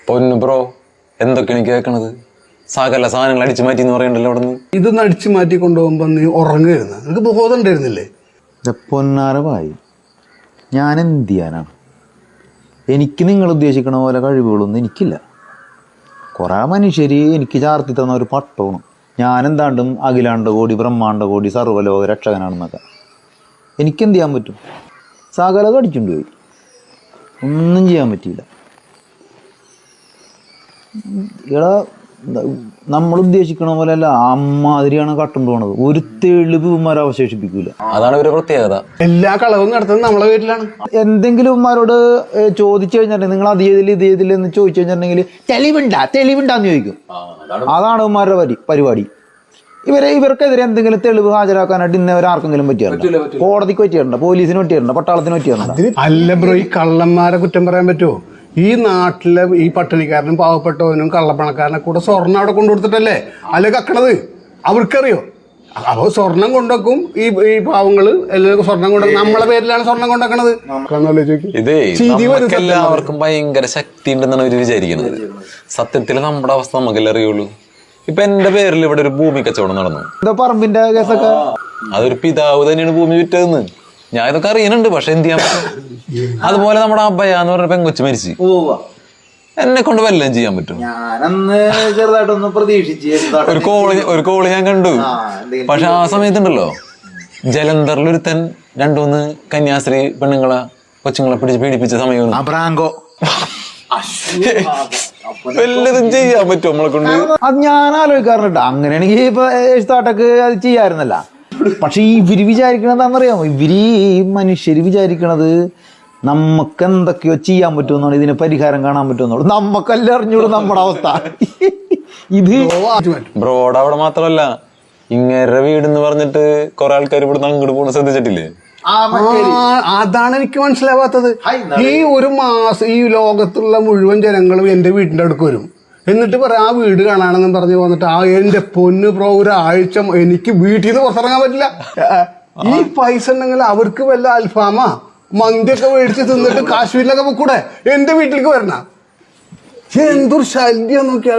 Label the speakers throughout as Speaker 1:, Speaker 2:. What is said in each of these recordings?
Speaker 1: പൊന്നു ബ്രോ, എന്തൊക്കെയാണ് കേൾക്കണത്? സകല സാധനങ്ങൾ അടിച്ചു മാറ്റി എന്ന് പറയണ്ടല്ലോ അവിടെ നിന്ന്.
Speaker 2: ഇതൊന്ന് അടിച്ചു മാറ്റി കൊണ്ടുപോകുമ്പോ നീ ഉറങ്ങുകയായിരുന്നു. നിനക്ക് ബോധം ഉണ്ടായിരുന്നില്ലേ?
Speaker 3: പൊന്നാരമായി ഞാൻ എന്ത് ചെയ്യാനാണ്? എനിക്ക് നിങ്ങൾ ഉദ്ദേശിക്കണ പോലെ കഴിവുകളൊന്നും എനിക്കില്ല. കുറേ മനുഷ്യർ എനിക്ക് ചാർത്തി തന്ന ഒരു പട്ടമാണ്. ഞാനെന്താണ്ടും അഖിലാണ്ട കോടി ബ്രഹ്മാണ്ട കോടി സർവ്വലോക രക്ഷകനാണെന്നൊക്കെ. എനിക്കെന്ത് ചെയ്യാൻ പറ്റും? സകല കടിച്ചുകൊണ്ട് പോയി, ഒന്നും ചെയ്യാൻ പറ്റിയില്ല. ഇവിടെ നമ്മൾ ഉദ്ദേശിക്കണ പോലെ അല്ല, അമ്മാതിരിയാണ് കട്ടുകൊണ്ട് പോണത്. ഒരു തെളിവ് ഇവന്മാരെ അവശേഷിപ്പിക്കൂല.
Speaker 1: അതാണ് ഇവരുടെ പ്രത്യേകത.
Speaker 2: എല്ലാ കളവും നടത്തുന്നത് നമ്മളെ വീട്ടിലാണ്.
Speaker 3: എന്തെങ്കിലും ഇവന്മാരോട് ചോദിച്ചു കഴിഞ്ഞിട്ടുണ്ടെങ്കിൽ നിങ്ങൾ അത് ചെയ്തില്ല ഇത് ചെയ്തില്ല എന്ന് ചോദിച്ചു കഴിഞ്ഞിട്ടുണ്ടെങ്കിൽ തെളിവുണ്ടാന്ന് ചോദിക്കും. അതാണ് ഇവന്മാരുടെ പരിപാടി. ഇവർക്കെതിരെ എന്തെങ്കിലും തെളിവ് ഹാജരാക്കാനായിട്ട് ഇന്നവരെ ആർക്കെങ്കിലും പറ്റിയാറുണ്ട്? കോടതിക്ക് പറ്റിയാറുണ്ട്, പോലീസിന് പറ്റിയാറുണ്ട്, പട്ടാളത്തിന് പറ്റിയാറുണ്ട്?
Speaker 2: അല്ല ബ്രോ, ഈ കള്ളന്മാരെ കുറ്റം പറയാൻ പറ്റുമോ? ഈ നാട്ടിലെ ഈ പട്ടിണിക്കാരനും പാവപ്പെട്ടവനും കള്ളപ്പണക്കാരനെ കൂടെ സ്വർണ്ണം അവിടെ കൊണ്ടുകൊടുത്തിട്ടല്ലേ അല്ലെ കക്കണത്? അവർക്കറിയോ? അപ്പോൾ സ്വർണം കൊണ്ടുവെക്കും ഈ പാവങ്ങള് എല്ലാവർക്കും സ്വർണം കൊണ്ടുവെക്കും. നമ്മളെ പേരിലാണ് സ്വർണം കൊണ്ടുവെക്കണത്.
Speaker 1: ഇതേ എല്ലാവർക്കും ഭയങ്കര ശക്തി ഉണ്ടെന്നാണ് അവര് വിചാരിക്കുന്നത്. സത്യത്തിൽ നമ്മുടെ അവസ്ഥ നമുക്കല്ലേ അറിയുള്ളൂ. ഇപ്പൊ എന്റെ പേരിൽ ഇവിടെ ഒരു ഭൂമി കച്ചവടം നടന്നു.
Speaker 3: പറമ്പിന്റെ കേസൊക്കെ
Speaker 1: അതൊരു പിതാവ് തന്നെയാണ് ഭൂമി വിറ്റതെന്ന് ഞാൻ ഇതൊക്കെ അറിയുന്നുണ്ട്. പക്ഷെ എന്ത് ചെയ്യാൻ പറ്റും? അതുപോലെ നമ്മുടെ അബ്ബയ എന്ന് പറഞ്ഞ പെങ്കൊച്ചു മരിച്ചു. എന്നെ കൊണ്ട് വല്ലതും ചെയ്യാൻ പറ്റും?
Speaker 3: ചെറുതായിട്ടൊന്ന് പ്രതീക്ഷിച്ച്
Speaker 1: ഒരു കോള് ഞാൻ കണ്ടു. പക്ഷെ ആ സമയത്തുണ്ടല്ലോ ജലന്ധറിൽ ഒരുത്തൻ 2-3 കന്യാസ്ത്രീ പെണ്ണുങ്ങളെ കൊച്ചുങ്ങളെ പിടിച്ച് പീഡിപ്പിച്ച സമയം. വല്ലതും ചെയ്യാൻ പറ്റും നമ്മളെ കൊണ്ട്?
Speaker 3: അത് ഞാൻ ആലോചിക്കാറുണ്ട്. അങ്ങനെയാണെങ്കിൽ ഇപ്പൊ താട്ടക്ക് അത് ചെയ്യാറുന്നല്ല. പക്ഷെ ഇവര് വിചാരിക്കണതാണെന്നറിയാമോ? മനുഷ്യര് വിചാരിക്കണത് നമുക്ക് എന്തൊക്കെയോ ചെയ്യാൻ പറ്റുമെന്നാണ്, ഇതിന് പരിഹാരം കാണാൻ പറ്റുമെന്നുള്ളൂ. നമുക്കല്ല അറിഞ്ഞൂടും നമ്മുടെ അവസ്ഥ. ഇത്
Speaker 1: ബ്രോഡ് അവിടെ മാത്രമല്ല, ഇങ്ങേരുടെ വീടെന്ന് പറഞ്ഞിട്ട് കുറെ ആൾക്കാർ ഇവിടുന്ന് അങ്ങോട്ട് പോകണ ശ്രദ്ധിച്ചിട്ടില്ലേ?
Speaker 2: അതാണ് എനിക്ക് മനസ്സിലാവാത്തത്. ഈ ഒരു മാസം ഈ ലോകത്തുള്ള മുഴുവൻ ജനങ്ങളും എന്റെ വീടിന്റെ അടുക്ക് വരും. എന്നിട്ട് പറയാം ആ വീട് കാണാണെന്നും പറഞ്ഞു വന്നിട്ട് എന്റെ പൊന്ന് ബ്രോ, ഒരാഴ്ച എനിക്ക് വീട്ടിൽ നിന്ന് പുറത്തിറങ്ങാൻ പറ്റില്ല. ഈ പൈസ ഉണ്ടെങ്കിൽ അവർക്ക് വല്ല അൽഫാമാ മന്തിയൊക്കെ മേടിച്ച് തിന്നിട്ട് കാശ്മീരിലൊക്കെ പോക്കൂടെ? എന്റെ വീട്ടിലേക്ക് വരണ എന്തൊരു ശല്യം നോക്കിയാൽ.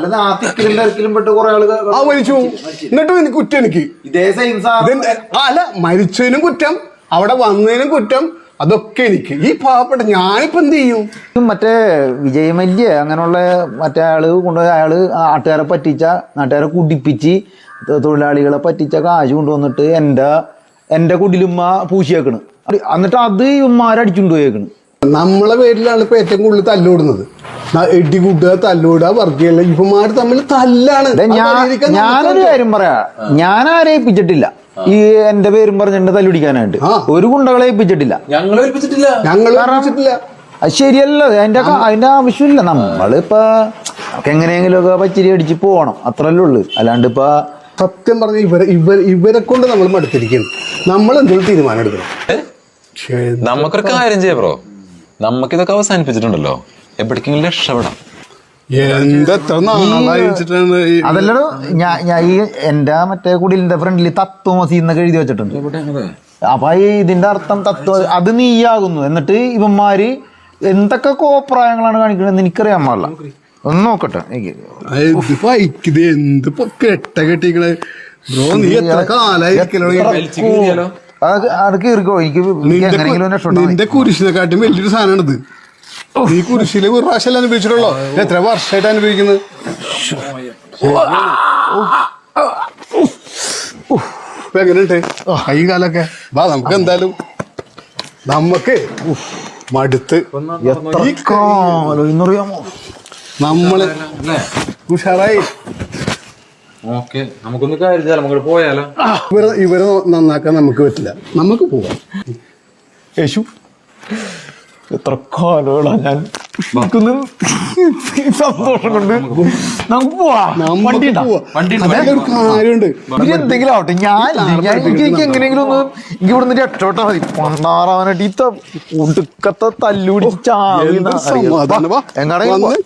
Speaker 2: മരിച്ചു എന്നിട്ടും എനിക്ക് കുറ്റം. എനിക്ക് അല്ല, മരിച്ചതിനും കുറ്റം, അവിടെ വന്നതിനും കുറ്റം, അതൊക്കെ എനിക്ക്. ഈ പാവപ്പെട്ട ഞാനിപ്പോ എന്ത് ചെയ്യും?
Speaker 3: മറ്റേ വിജയമല്യ അങ്ങനെയുള്ള മറ്റേ ആള് കൊണ്ടുപോയി അയാള് നാട്ടുകാരെ പറ്റിച്ച, നാട്ടുകാരെ കുടിപ്പിച്ച് തൊഴിലാളികളെ പറ്റിച്ച കാശ് കൊണ്ടുവന്നിട്ട് എന്റെ കുടിലുമ്മ പൂശിയേക്കണ്. എന്നിട്ട് അത് ഇവന്മാരടിച്ചുകൊണ്ട് പോയേക്കണ്.
Speaker 2: നമ്മളെ പേരിലാണ് ഇപ്പൊ ഏറ്റവും കൂടുതൽ തല്ലോടുന്നത്. എടി കൂട്ടുക, തല്ലോടുക, വർഗീയല്ല. ഇവന്മാര് തമ്മിൽ തല്ലാണ്.
Speaker 3: ഞാനൊരു കാര്യം പറയാ, ഞാൻ ആരെ ഏൽപ്പിച്ചിട്ടില്ല ഈ എന്റെ പേരും പറഞ്ഞിട്ട് തല്ലുപിടിക്കാനായിട്ട്. ഒരു ഗുണ്ടകളെ ഏൽപ്പിച്ചിട്ടില്ല. അത് ശരിയല്ല. അതിന്റെ ആവശ്യമില്ല. നമ്മളിപ്പോ എങ്ങനെയെങ്കിലും ഒക്കെ പച്ചിരി അടിച്ച് പോകണം, അത്രല്ലേ ഉള്ളു. അല്ലാണ്ട് ഇപ്പൊ
Speaker 2: സത്യം പറഞ്ഞ ഇവരെ കൊണ്ട് നമ്മൾ മടുത്തിരിക്കുന്നു. നമ്മൾ എന്തെങ്കിലും തീരുമാനം എടുക്കണം.
Speaker 1: നമുക്കൊരു കാര്യം ചെയ്യാം ബ്രോ, നമുക്കിതൊക്കെ അവസാനിപ്പിച്ചിട്ടുണ്ടല്ലോ, എവിടേക്കെങ്കിലും രക്ഷപ്പെടാം.
Speaker 3: അതല്ലോ ഞാൻ ഈ എന്റെ മറ്റേ കുടിലിന്റെ ഫ്രണ്ടിൽ തത്വമസി എന്നൊക്കെ എഴുതി വെച്ചിട്ടുണ്ട്. അപ്പൊ ഇതിന്റെ അർത്ഥം തത്വം അത് നീയാകുന്നു. എന്നിട്ട് ഇവന്മാര് എന്തൊക്കെ കോപ്രായങ്ങളാണ് കാണിക്കണെന്ന് എനിക്കറിയാൻ പാടില്ല. ഒന്ന് നോക്കട്ടെ.
Speaker 2: നിന്റെ കുരിശിനെക്കാട്ടും വലിയൊരു സാധനമാണിത്. ഈ കുരിശിലെ ഒരു പ്രാവശ്യം അനുഭവിച്ചിട്ടുള്ളോ? എത്ര വർഷമായിട്ട് അനുഭവിക്കുന്നത്? ഇപ്പൊ എങ്ങനെയുണ്ട് കൈ കാലൊക്കെ? വാ, നമുക്ക് എന്തായാലും നമുക്ക് മടുത്ത് നമ്മള് ഉഷാറായി.
Speaker 1: നമുക്കൊന്ന് കാര്യം പോയാലോ?
Speaker 2: ഇവരെ നന്നാക്കാൻ നമുക്ക് പറ്റില്ല. നമുക്ക് പോവാം. യേശു,
Speaker 3: എത്ര കാലങ്ങളാ ഞാൻ സന്തോഷം കൊണ്ട് നമുക്ക്
Speaker 2: കാര്യമുണ്ട്.
Speaker 3: എന്തെങ്കിലും ആവട്ടെ, എനിക്ക് എങ്ങനെയെങ്കിലും ഒന്ന് എനിക്ക് ഇവിടുന്ന് രക്ഷപ്പെട്ടാ മതി. പണ്ടാറാവാനായിട്ട് ഈ ഒടുക്കത്തെ തല്ലുപിടിച്ച
Speaker 2: എങ്ങാണെങ്കിൽ